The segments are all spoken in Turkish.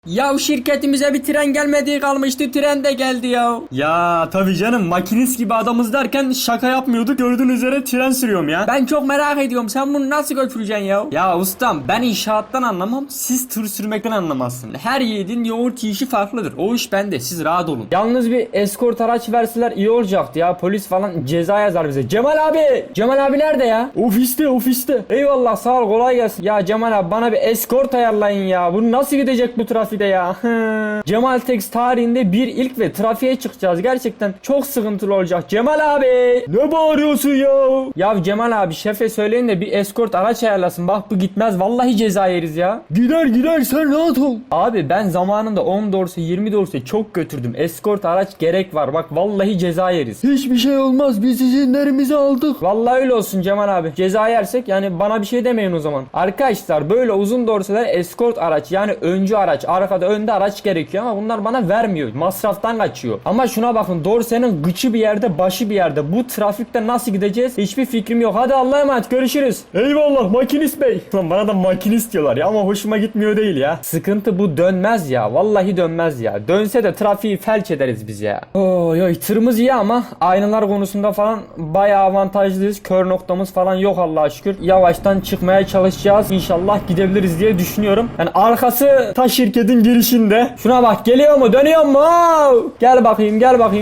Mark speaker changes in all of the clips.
Speaker 1: Ya şirketimize bir tren gelmediği kalmıştı, tren de geldi ya.
Speaker 2: Ya tabii canım, makinist gibi adamız derken şaka yapmıyorduk, gördüğünüz üzere tren sürüyorum ya.
Speaker 1: Ben çok merak ediyorum, sen bunu nasıl götüreceksin ya?
Speaker 2: Ya ustam, ben inşaattan anlamam, siz tır sürmekten anlamazsınız. Her yiğidin yoğurt yiyişi farklıdır, o iş bende, siz rahat olun.
Speaker 1: Yalnız bir eskort araç verseler iyi olacaktı ya, polis falan ceza yazar bize. Cemal abi! Cemal abi nerede ya?
Speaker 2: Ofiste.
Speaker 1: Eyvallah, sağ ol, kolay gelsin. Ya Cemal abi, bana bir eskort ayarlayın ya. Bu nasıl gidecek bu trafikte ya? Cemal Tex tarihinde bir ilk ve trafiğe çıkacağız. Gerçekten çok sıkıntılı olacak. Cemal abi!
Speaker 2: Ne bağırıyorsun ya?
Speaker 1: Ya Cemal abi, şefe söyleyin de bir eskort araç ayarlasın. Bak bu gitmez, vallahi ceza yeriz ya.
Speaker 2: Gider sen rahat ol.
Speaker 1: Abi ben zamanında 10 dorse 20 dorse çok götürdüm. Eskort araç gerek var. Bak vallahi ceza yeriz.
Speaker 2: Hiçbir şey olmaz, biz izinlerimizi aldık.
Speaker 1: Vallahi öyle olsun Cemal abi. Ceza yersek yani bana bir şey demeyin o zaman. Arkadaşlar böyle uzun dorseler eskort araç, yani öncü araç, arkada önde araç gerekiyor ama bunlar bana vermiyor. Masraftan kaçıyor. Ama şuna bakın, dorsenin gıçı bir yerde, başı bir yerde. Bu trafikte nasıl gideceğiz? Hiçbir fikrim yok. Hadi Allah'a emanet, görüşürüz.
Speaker 2: Eyvallah makinist bey. Lan bana da makinist diyorlar ya, ama hoşuma gitmiyor değil ya.
Speaker 1: Sıkıntı bu, dönmez ya. Vallahi dönmez ya. Dönse de trafiği felç ederiz biz ya. Oy oy, tırımız iyi ama aynalar konusunda falan bayağı avantajlıyız. Kör noktamız falan yok Allah'a şükür. Yavaştan çıkmaya çalışacağız. İnşallah gidebiliriz diye düşünüyorum. Yani arkası
Speaker 2: Ta şirketin girişinde.
Speaker 1: şuna bak, geliyor mu, dönüyor mu? Gel bakayım,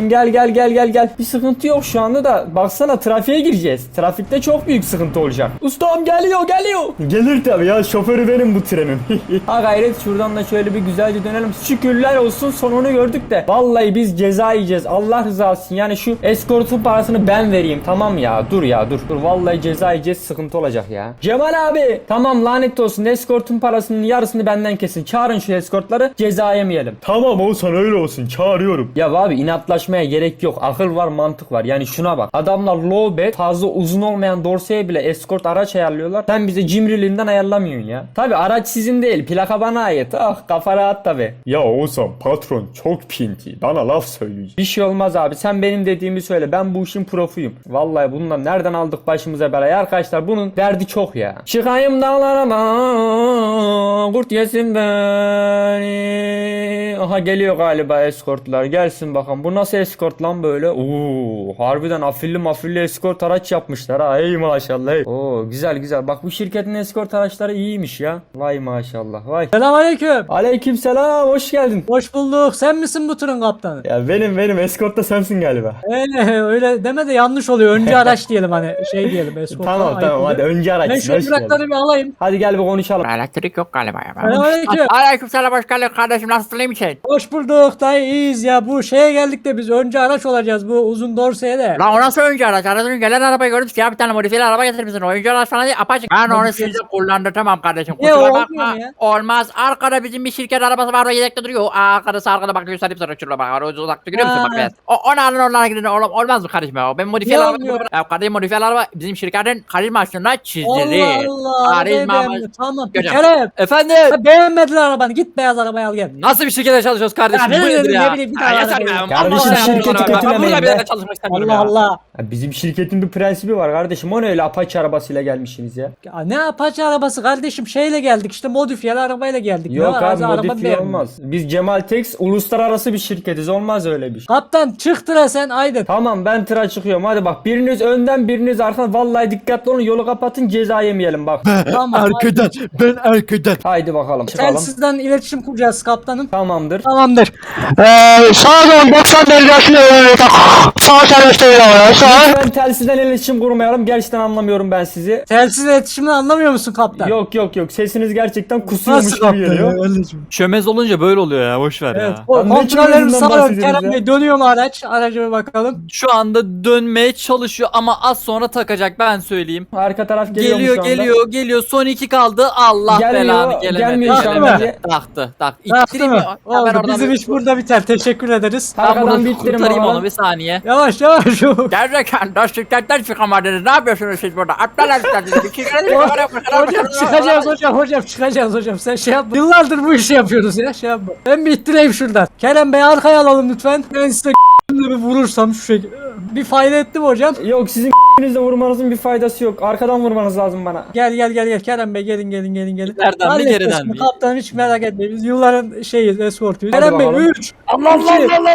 Speaker 1: gel. Bir sıkıntı yok şu anda da. Baksana, trafiğe gireceğiz. Trafikte çok büyük sıkıntı olacak. Ustam geliyor.
Speaker 2: Gelir tabii ya, şoförü benim bu trenin.
Speaker 1: Ha gayret, şuradan da şöyle bir güzelce dönelim. Şükürler olsun, sonunu gördük de. Vallahi biz ceza yiyeceğiz. Allah rızası için. Yani şu eskortun parasını ben vereyim. Tamam ya, dur. Vallahi ceza yiyeceğiz, sıkıntı olacak ya. Cemal abi, tamam, lanet olsun, eskortun parasının yarısını benden kesin. Çağırın şu eskortları, ceza yemeyelim.
Speaker 2: Tamam Oğuzhan, öyle olsun, çağırıyorum.
Speaker 1: Ya abi, inatlaşmaya gerek yok. Akıl var, mantık var. Yani şuna bak. Adamlar low bed, fazla uzun olmayan dorseye bile eskort araç ayarlıyorlar. Sen bize cimriliğinden ayarlamıyorsun ya. Tabi araç sizin değil. Plaka bana ait. Ah, kafa rahat tabi.
Speaker 2: Ya Oğuzhan, patron çok pinti, bana laf söyleyecek.
Speaker 1: Bir şey olmaz abi. Sen benim dediğimi söyle. Ben bu işin profuyum. Vallahi bundan nereden aldık başımıza belayı arkadaşlar. Bunun derdi çok ya. Çıkayım dağlarıma, kurt yesin beni. Aha geliyor galiba eskortlar. Gelsin bakalım. Bu nasıl eskort lan böyle? Oo, harbiden afilli eskort araç yapmışlar ha. Ey maşallah. Ey. Oo, güzel. Bak bu şirketin eskort araçları iyiymiş ya. Vay maşallah. Vay.
Speaker 3: Selamünaleyküm.
Speaker 1: Aleykümselam. Hoş geldin.
Speaker 3: Hoş bulduk. Sen misin bu turun kaptanı?
Speaker 2: Ya benim eskort da sensin galiba.
Speaker 3: Öyle deme de yanlış oluyor. Önce araç diyelim, hani şey diyelim. Escort
Speaker 2: Tamam hadi önce araç.
Speaker 3: Ben şu bırakları bir alayım.
Speaker 1: Hadi gel bir konuşalım.
Speaker 4: Elektrik yok galiba ya.
Speaker 3: Selamünaleyküm.
Speaker 4: Aleykümselam, hoş geldin kardeşim, nasılsın, iyi misin?
Speaker 3: Hoş bulduk dayı, iyiyiz ya. Bu şeye geldik de biz önce araç olacağız bu uzun dorseye de.
Speaker 4: Lan o nasıl oyuncu araç? Aradan gelen arabayı gördük ya, bir tane modifiyeli araba getirmişsin. Oyuncu araç falan değil, apaçık. Ben onu
Speaker 3: Modifiyeli.
Speaker 4: size kullandırtamam kardeşim.
Speaker 3: Niye,
Speaker 4: Kusura
Speaker 3: olmuyor
Speaker 4: bakma.
Speaker 3: mu ya?
Speaker 4: Olmaz. Arkada bizim bir şirket arabası var, o yedekte duruyor. Arkada arkada bak, gösterip sana şurada bak. O uzakta görüyor musun
Speaker 3: Ha.
Speaker 4: bak beyaz. Onu alın, onlara gidin. Olmaz mı kardeşim ya? Ben modifiyeli
Speaker 3: Niye
Speaker 4: araba.
Speaker 3: olmuyor?
Speaker 4: Ya kardeşim, modifiyeli araba bizim şirketin karizmasında çizdirir.
Speaker 3: Allah Allah.
Speaker 4: Karizma.
Speaker 3: Tamam.
Speaker 4: Göreceğim.
Speaker 3: Kerem.
Speaker 4: Efendim?
Speaker 3: Beğenmediler arabanı. Git beyaz arabayı al gel.
Speaker 4: Nasıl bir şirkete çalışıyoruz kardeşim?
Speaker 3: Ya
Speaker 4: Bu
Speaker 3: ne
Speaker 4: nedir
Speaker 3: bileyim,
Speaker 4: ya?
Speaker 3: ne bileyim, bir
Speaker 4: Ya
Speaker 3: daha
Speaker 4: yeter
Speaker 3: araba
Speaker 4: be.
Speaker 3: yok.
Speaker 1: Kardeşim,
Speaker 4: Allah
Speaker 1: şirketi
Speaker 4: Allah. Ben
Speaker 1: kötülemeyin
Speaker 4: burada bir
Speaker 1: be.
Speaker 4: yerde çalışmak istemiyorum
Speaker 3: Allah
Speaker 4: ya.
Speaker 3: Allah.
Speaker 1: Ya bizim şirketin bir prensibi var kardeşim. O ne öyle Apache arabasıyla gelmişsiniz ya?
Speaker 3: Ya ne Apache arabası kardeşim, şeyle geldik işte, modifiyeli arabayla geldik.
Speaker 1: Yok
Speaker 3: Ne var?
Speaker 1: abi,
Speaker 3: Araba
Speaker 1: modifiye
Speaker 3: beğendim.
Speaker 1: olmaz. Biz Cemal Tex uluslararası bir şirketiz. Olmaz öyle bir şey.
Speaker 3: Kaptan çık tıra sen, haydi.
Speaker 1: Tamam, ben tıra çıkıyorum. Hadi bak, biriniz önden biriniz arkadan. Vallahi dikkatli olun, yolu kapatın, ceza yemeyelim bak.
Speaker 3: Tamam.
Speaker 5: Ben arkadan.
Speaker 1: Haydi bakalım, çıkalım.
Speaker 3: Telsizden iletişim kuracağız kaptanım.
Speaker 1: Tamamdır.
Speaker 3: Tamamdır.
Speaker 5: Sağa dön 90 derecesine sağ çalıştırıyor. Sağ.
Speaker 1: Ben telsizden iletişim kurmayalım. Gerçekten anlamıyorum ben sizi.
Speaker 3: Telsiz iletişimini anlamıyor musun kaptan?
Speaker 1: Yok. Sesiniz gerçekten kusuyormuş gibi geliyor.
Speaker 6: Çömez olunca böyle oluyor ya, boş ver
Speaker 3: Evet.
Speaker 6: ya.
Speaker 3: O
Speaker 1: Lan ne
Speaker 3: kontrollerimiz
Speaker 1: çözümünden
Speaker 3: sağ olun
Speaker 1: bahsediyoruz
Speaker 3: Kerem
Speaker 1: ya?
Speaker 3: Bey. Dönüyor mu araç? Araca bir bakalım.
Speaker 6: Şu anda dönmeye çalışıyor ama az sonra takacak, ben söyleyeyim.
Speaker 1: Arka taraf geliyor mu şu anda?
Speaker 6: Geliyor, son 2 kaldı, Allah belanı
Speaker 1: Gelmiyor şu
Speaker 3: Taktı
Speaker 1: anda.
Speaker 3: mı?
Speaker 6: Taktı.
Speaker 3: Yaptı
Speaker 6: İttireyim
Speaker 3: mı?
Speaker 6: ya. Ben
Speaker 3: Oldu.
Speaker 6: oradan
Speaker 3: Bizim
Speaker 6: bir-
Speaker 3: iş burada biter. Teşekkür ederiz.
Speaker 6: Ben
Speaker 1: Arkadan
Speaker 6: burada
Speaker 1: bittirin
Speaker 6: kurtarayım
Speaker 1: bakalım.
Speaker 6: onu bir saniye.
Speaker 3: Yavaş.
Speaker 4: Gerçekten de şirketten çıkamadınız. Ne yapıyorsunuz siz burada? Aptal herifler.
Speaker 3: Hocam çıkacağız hocam. Sen şey yapma. Yıllardır bu işi yapıyoruz ya. Şey yapma. Ben bir ittireyim şuradan. Kerem Bey arkaya alalım lütfen. Ben size bir vurursam şu şekilde. Bir fayda etti mi hocam?
Speaker 1: Yok, sizin Elinizle vurmanızın bir faydası yok. Arkadan vurmanız lazım bana.
Speaker 3: Gel Kerem Bey gelin.
Speaker 6: Nereden mi
Speaker 3: Halledeceğiz.
Speaker 6: geriden mi?
Speaker 3: Kaptan hiç merak etmeyin. Biz yılların şeyiz, eskortuyuz.
Speaker 1: Hadi
Speaker 3: Kerem Bey
Speaker 1: bakalım.
Speaker 3: 3. Allah Allah.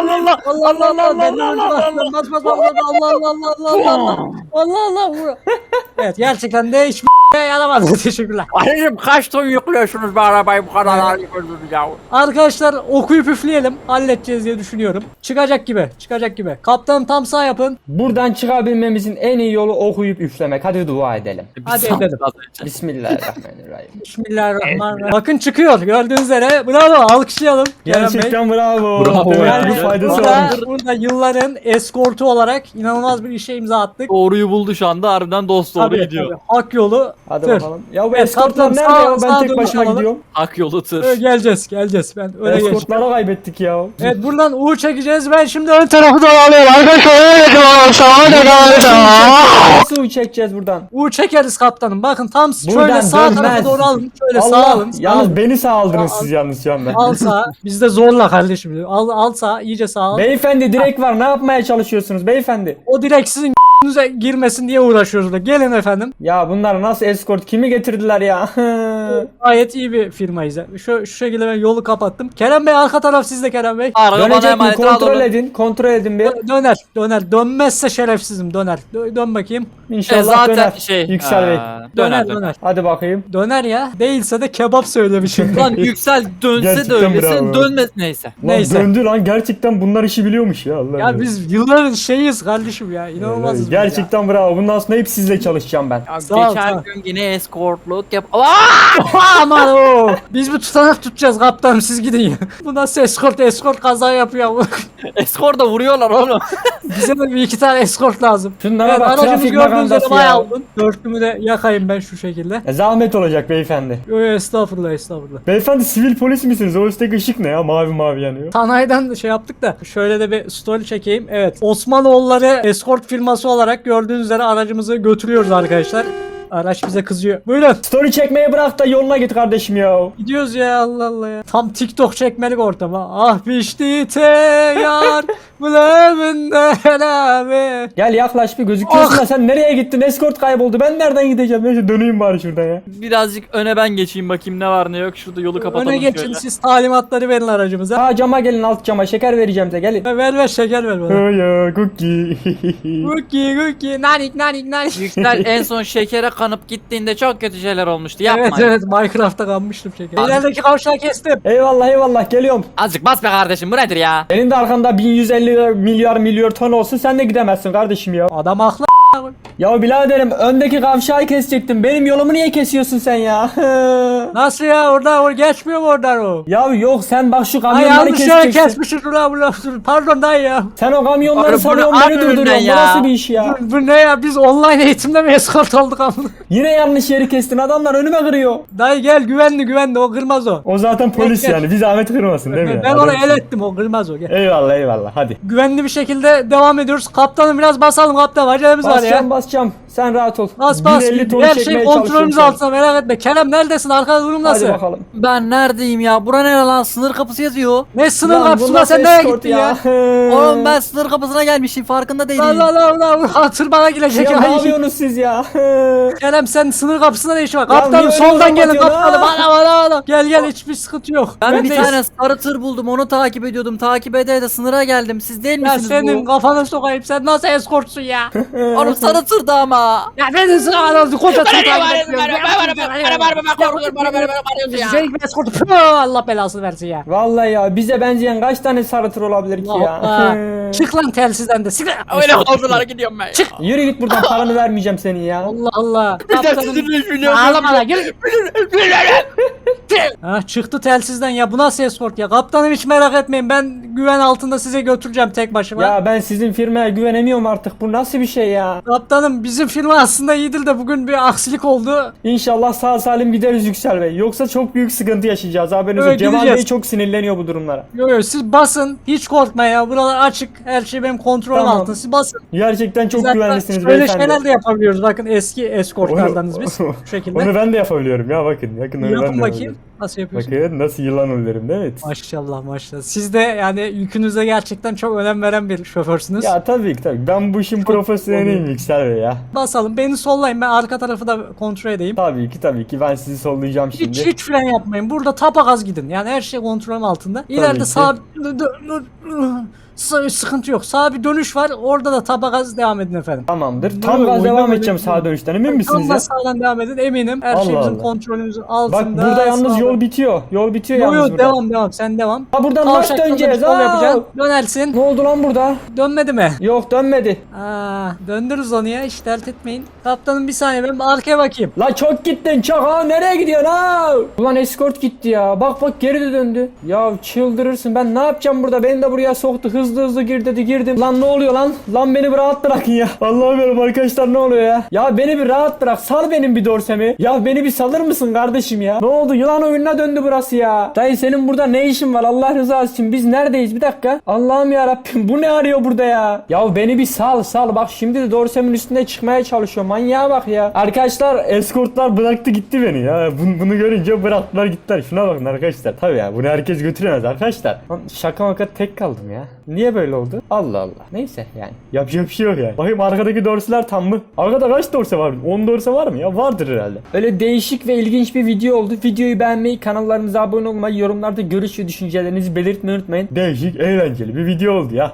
Speaker 3: Evet gerçekten de hiç yaramadı. Teşekkürler.
Speaker 4: Kardeşim kaç ton yüklüyorsunuz bu arabayı bu kadar ağır yıkıyorsunuz ya.
Speaker 3: Arkadaşlar okuyup üfleyelim. Halledeceğiz diye düşünüyorum. Çıkacak gibi. Kaptanım tam sağ yapın.
Speaker 1: Buradan çıkabilmemizin en iyi yolu okuyup üflemek. Hadi dua edelim.
Speaker 3: Hadi edelim.
Speaker 1: Bismillahirrahmanirrahim.
Speaker 3: Bismillahirrahmanirrahim. Bakın çıkıyor. Gördüğünüz üzere. Bravo. Alkışlayalım. Kerem Bey.
Speaker 1: Gerçekten bravo.
Speaker 6: Bravo
Speaker 1: Demek
Speaker 6: ya.
Speaker 1: ki bir faydası
Speaker 3: Burada,
Speaker 1: varmış.
Speaker 3: burada yılların eskortu olarak inanılmaz bir işe imza attık.
Speaker 6: Doğruyu buldu şu anda harbiden dost doğru gidiyor.
Speaker 3: Tabii. Hak yolu.
Speaker 1: Hadi
Speaker 3: tır.
Speaker 1: bakalım. Ya bu
Speaker 3: Evet,
Speaker 1: eskortlar
Speaker 3: kaptan
Speaker 1: nerede ya?
Speaker 3: sağ
Speaker 1: Ben tek
Speaker 3: dönüş
Speaker 1: başıma
Speaker 3: alalım.
Speaker 1: gidiyorum.
Speaker 6: Hak yolu tır.
Speaker 3: Geleceğiz. Ben öyle geçtim.
Speaker 1: Eskortları kaybettik ya.
Speaker 3: Evet buradan U çekeceğiz. Ben şimdi ön tarafı da
Speaker 5: Alıyorum arkadaşlar. Sağa dön.
Speaker 1: Nasıl çekeceğiz buradan?
Speaker 3: U çekeriz kaptanım. Bakın tam
Speaker 1: Buradan
Speaker 3: şöyle sağ
Speaker 1: dönmez.
Speaker 3: tarafa doğru alın. Şöyle sağ
Speaker 1: Allah.
Speaker 3: alın. Sağ
Speaker 1: Yalnız
Speaker 3: alın.
Speaker 1: beni sağ aldınız siz yalnız şu anda.
Speaker 3: Al sağ. Biz de zorla kardeşim. Al sağ. İyice sağ al.
Speaker 1: Beyefendi direkt var. Ne yapmaya çalışıyorsunuz beyefendi?
Speaker 3: O direkt sizin ***'nize girmesin diye uğraşıyoruz da. Gelin efendim.
Speaker 1: Ya bunlar nasıl eskort? Kimi getirdiler ya?
Speaker 3: Gayet iyi bir firmayız. Şu şekilde ben yolu kapattım. Kerem Bey arka taraf sizde Kerem Bey.
Speaker 6: Araba bana
Speaker 1: Dönecek mi?
Speaker 6: emanet
Speaker 1: Kontrol
Speaker 6: alalım.
Speaker 1: edin. Kontrol edin bir.
Speaker 3: Döner. Dönmezse şerefsizim döner. Dön bakayım.
Speaker 1: İnşallah
Speaker 6: Zaten
Speaker 1: döner.
Speaker 6: şey.
Speaker 1: Yüksel Bey.
Speaker 3: Döner.
Speaker 1: Hadi bakayım.
Speaker 3: Döner ya. Değilse de kebap söylemişim.
Speaker 6: Lan Yüksel dönse de
Speaker 1: Gerçekten
Speaker 6: öylesin
Speaker 1: bravo.
Speaker 6: dönmez neyse.
Speaker 1: Lan
Speaker 3: Neyse.
Speaker 1: döndü lan. Gerçekten bunlar işi biliyormuş ya. Allah
Speaker 3: Ya biz yılların şeyiz kardeşim ya. İnanılmazız. biz ya.
Speaker 1: Gerçekten bravo. Bundan sonra hep sizle çalışacağım ben.
Speaker 6: Ya
Speaker 3: Sağ ol,
Speaker 6: geçen
Speaker 3: sağ ol.
Speaker 6: gün yine eskortluk yap.
Speaker 3: Aman o. Biz bir tutanak tutacağız kaptanım siz gidin ya. Bu nasıl eskort kaza yapıyor.
Speaker 6: Eskor da vuruyorlar oğlum.
Speaker 3: Bize de bir iki tane eskort lazım.
Speaker 1: Şunlara
Speaker 3: Evet,
Speaker 1: bak,
Speaker 3: aracımız
Speaker 1: trafik
Speaker 3: gördüğünüz
Speaker 1: magandası
Speaker 3: üzere bayağı
Speaker 1: ya.
Speaker 3: olgun. Dörtlümü de yakayım ben şu şekilde.
Speaker 1: Zahmet olacak beyefendi.
Speaker 3: Yo estağfurullah.
Speaker 1: Beyefendi sivil polis misiniz? O üstteki ışık ne ya? Mavi yanıyor.
Speaker 3: Sanayiden şey yaptık da şöyle de bir story çekeyim. Evet Osmanoğulları eskort firması olarak gördüğünüz üzere aracımızı götürüyoruz arkadaşlar. Araç bize kızıyor. Buyurun.
Speaker 1: Story çekmeyi bırak da yoluna git kardeşim ya.
Speaker 3: Gidiyoruz ya Allah Allah ya. Tam TikTok çekmelik ortam ha. Ah pişti te yar buleminde abi.
Speaker 1: Gel yaklaş bir gözüküyorsun
Speaker 3: Ah!
Speaker 1: da sen nereye gittin? Eskort kayboldu. Ben nereden gideceğim? Neyse döneyim bari şuradan ya.
Speaker 6: Birazcık öne ben geçeyim bakayım ne var ne yok. Şurada yolu kapatalım
Speaker 3: Öne geçin
Speaker 6: şöyle.
Speaker 3: siz talimatları verin aracımıza.
Speaker 1: Ha cama gelin, alt cama şeker vereceğim size, gelin.
Speaker 3: Ver şeker ver bana.
Speaker 1: Ya cookie.
Speaker 3: Cookie nanik.
Speaker 6: Yüksel en son şekere kanıp gittiğinde çok kötü şeyler olmuştu. Yapma.
Speaker 3: Evet Minecraft'ta kanmıştım şeker. İlerideki kavşağı kestim.
Speaker 1: Eyvallah geliyorum.
Speaker 6: Azıcık bas be kardeşim bu nedir ya?
Speaker 1: Senin de arkanda 1150 milyar ton olsun, sen de gidemezsin kardeşim ya.
Speaker 3: Adam haklı.
Speaker 1: Ya biraderim, öndeki kavşağı kesecektim. Benim yolumu niye kesiyorsun sen ya?
Speaker 3: Nasıl ya orada geçmiyor mu oradan o?
Speaker 1: Ya yok, sen bak şu
Speaker 3: Ay
Speaker 1: kamyonları
Speaker 3: yanlış yere
Speaker 1: keseceksin.
Speaker 3: kesmişiz ulan. Pardon dayı ya.
Speaker 1: Sen o kamyonları
Speaker 6: Abi
Speaker 1: sanıyorsun,
Speaker 6: bunu
Speaker 1: beni
Speaker 6: al önünden
Speaker 1: durduruyorsun. Bu
Speaker 6: ya.
Speaker 1: nasıl bir iş ya?
Speaker 3: Bu ne ya biz online eğitimde mi eskort olduk amına?
Speaker 1: Yine yanlış yeri kestin, adamlar önüme kırıyor.
Speaker 3: Dayı gel güvenli o kırmaz o.
Speaker 1: O zaten polis
Speaker 3: Gel.
Speaker 1: yani, bir zahmet kırmasın değil mi?
Speaker 3: Ben
Speaker 1: ya?
Speaker 3: ona
Speaker 1: Adam-
Speaker 3: el ettim o kırmaz o gel.
Speaker 1: Eyvallah hadi.
Speaker 3: Güvenli bir şekilde devam ediyoruz. Kaptanım biraz basalım kaptan acelemiz var ya.
Speaker 1: Basacağım. Sen rahat ol.
Speaker 3: Bas
Speaker 1: 150 ton
Speaker 3: her
Speaker 1: çekmeye
Speaker 3: şey kontrolümüz
Speaker 1: çalışıyorum
Speaker 3: altında merak etme. Kerem neredesin arkada durum
Speaker 1: şu an.
Speaker 3: nasıl?
Speaker 1: Hadi bakalım.
Speaker 6: Ben neredeyim ya? Bura nere lan? Sınır kapısı yazıyor.
Speaker 3: Ne sınır
Speaker 1: Lan bu
Speaker 3: kapısına
Speaker 1: nasıl
Speaker 3: sen nereye
Speaker 1: eskort
Speaker 3: gittin ya?
Speaker 6: Oğlum ben sınır kapısına gelmişim farkında değilim.
Speaker 3: Allah hatır bana gelecek.
Speaker 1: Ya ne
Speaker 3: Ay,
Speaker 1: yapıyorsunuz siz ya?
Speaker 3: Kerem sen sınır kapısında ne işin var?
Speaker 1: Ya
Speaker 3: Kaptanım
Speaker 1: niye
Speaker 3: soldan
Speaker 1: öyle
Speaker 3: gelin
Speaker 1: kapatıyorsun
Speaker 3: kaptanım.
Speaker 1: ha?
Speaker 3: Bana. Gel hiçbir sıkıntı yok.
Speaker 6: Ben bir
Speaker 3: Bendeyiz.
Speaker 6: tane sarı tır buldum onu takip ediyordum. Takip ede de sınıra geldim. Siz değil
Speaker 3: Ya
Speaker 6: misiniz
Speaker 3: senin
Speaker 6: bu?
Speaker 3: kafana sokayım sen nasıl eskortsun ya?
Speaker 6: Oğlum sarı tırda ama.
Speaker 3: Ya beni sıra aradı koca tır takip Şey eskortu Allah belasını versin ya.
Speaker 1: Vallahi ya, bize benzeyen kaç tane sarı tır olabilir ki ya?
Speaker 3: Hoppa. Çık lan telsizden de sık.
Speaker 6: Öyle oldular gidiyorum ben.
Speaker 1: Yürü git buradan, paranı vermeyeceğim senin ya.
Speaker 3: Allah. Ağlama lan gel. Ha çıktı telsizden ya bu nasıl eskort ya? Kaptanım hiç merak etmeyin ben güven altında size götüreceğim tek başıma.
Speaker 1: Ya ben sizin firmaya güvenemiyorum artık. Bu nasıl bir şey ya?
Speaker 3: Kaptanım bizim firma aslında iyidir de bugün bir aksilik oldu.
Speaker 1: İnşallah sağ salim gideriz Yüksel Bey. Yoksa çok büyük sıkıntı yaşayacağız. Haberiniz
Speaker 3: Evet,
Speaker 1: yok. Cemal
Speaker 3: gideceğiz.
Speaker 1: Bey çok sinirleniyor bu durumlara.
Speaker 3: Yo siz basın hiç korkma ya buralar açık her şey benim kontrolüm
Speaker 1: Tamam.
Speaker 3: altında siz basın.
Speaker 1: Gerçekten çok
Speaker 3: Biz hatta
Speaker 1: güvenlisiniz
Speaker 3: böyle
Speaker 1: beyefendi.
Speaker 3: şeyler de yapabiliyoruz bakın eski eskortlardanız biz şu şekilde.
Speaker 1: Onu ben de yapabiliyorum ya, bakın. Yakın onu ben de
Speaker 3: Yapın bakayım.
Speaker 1: yapabiliyorum.
Speaker 3: Nasıl yapıyorsun?
Speaker 1: Bakın nasıl yılan olurum değil mi?
Speaker 3: Maşallah maşallah. Siz de yani yükünüze gerçekten çok önem veren bir şoförsünüz.
Speaker 1: Ya tabii ki tabii. Ben bu işin profesyoneliyim Yüksel Bey ya.
Speaker 3: Basalım. Beni sollayın. Ben arka tarafı da kontrol edeyim.
Speaker 1: Tabii ki ben sizi sollayacağım şimdi.
Speaker 3: Hiç fren yapmayın. Burada tapagaz gidin. Yani her şey kontrolüm altında.
Speaker 1: ki.
Speaker 3: İleride sağ sıkıntı yok. Sağ bir dönüş var. Orada da tapagaz devam edin efendim.
Speaker 1: Tamamdır. Tam gaz devam edeceğim sağ dönüşten emin misiniz
Speaker 3: Tam
Speaker 1: ya?
Speaker 3: da sağdan devam edin. Eminim. Her
Speaker 1: Allah
Speaker 3: şey bizim
Speaker 1: Allah.
Speaker 3: kontrolümüzün
Speaker 1: Bak
Speaker 3: altında.
Speaker 1: burada yalnız
Speaker 3: Sağdan.
Speaker 1: yol bitiyor. Yol bitiyor
Speaker 3: Yo
Speaker 1: yalnız
Speaker 3: yo
Speaker 1: burada.
Speaker 3: devam. Sen devam.
Speaker 1: Ha buradan nasıl
Speaker 3: Kavşakta
Speaker 1: döneceğiz?
Speaker 3: bir sol
Speaker 1: Aa!
Speaker 3: yapacaksın. Dönersin.
Speaker 1: Ne oldu lan burada?
Speaker 3: Dönmedi mi?
Speaker 1: Yok dönmedi.
Speaker 3: Döndürürüz onu ya. Hiç dert etmeyin. Kaptanım bir saniye ben bir arkaya bakayım.
Speaker 1: La çok gittin çok ha nereye gidiyorsun ha? Ulan eskort gitti ya. Bak geri de döndü. Ya çıldırırsın ben ne yapacağım burada? Beni de buraya soktu. Hızlı gir dedi girdim. Lan ne oluyor lan? Lan beni bir rahat bırakın ya. Allah'ım benim arkadaşlar ne oluyor ya? Ya beni bir rahat bırak. Sal benim bir dorsemi. Ya beni bir salır mısın kardeşim ya? Ne oldu? Yılan oyununa döndü burası ya. Dayı senin burada ne işin var Allah rızası için? Biz neredeyiz? Bir dakika. Allah'ım ya Rabbim bu ne arıyor burada ya? Ya beni bir sal. Bak şimdi de dorsemin üstüne çıkmaya çalışıyor. Manyağa bak ya. Arkadaşlar eskortlar bıraktı gitti beni ya. Bunu görünce bıraktılar gittiler. Şuna bakın arkadaşlar. Tabii ya bunu herkes götüremez arkadaşlar. Lan şaka maka tek kaldım ya. Niye böyle oldu? Allah Allah. Neyse yani. Yapacak bir şey yok yani. Bakayım arkadaki dorseler tam mı? Arkada kaç dorse var? 10 dorse var mı ya? Vardır herhalde. Öyle değişik ve ilginç bir video oldu. Videoyu beğenmeyi, kanallarımıza abone olmayı, yorumlarda görüş ve düşüncelerinizi belirtmeyi unutmayın. Değişik, eğlenceli bir video oldu ya.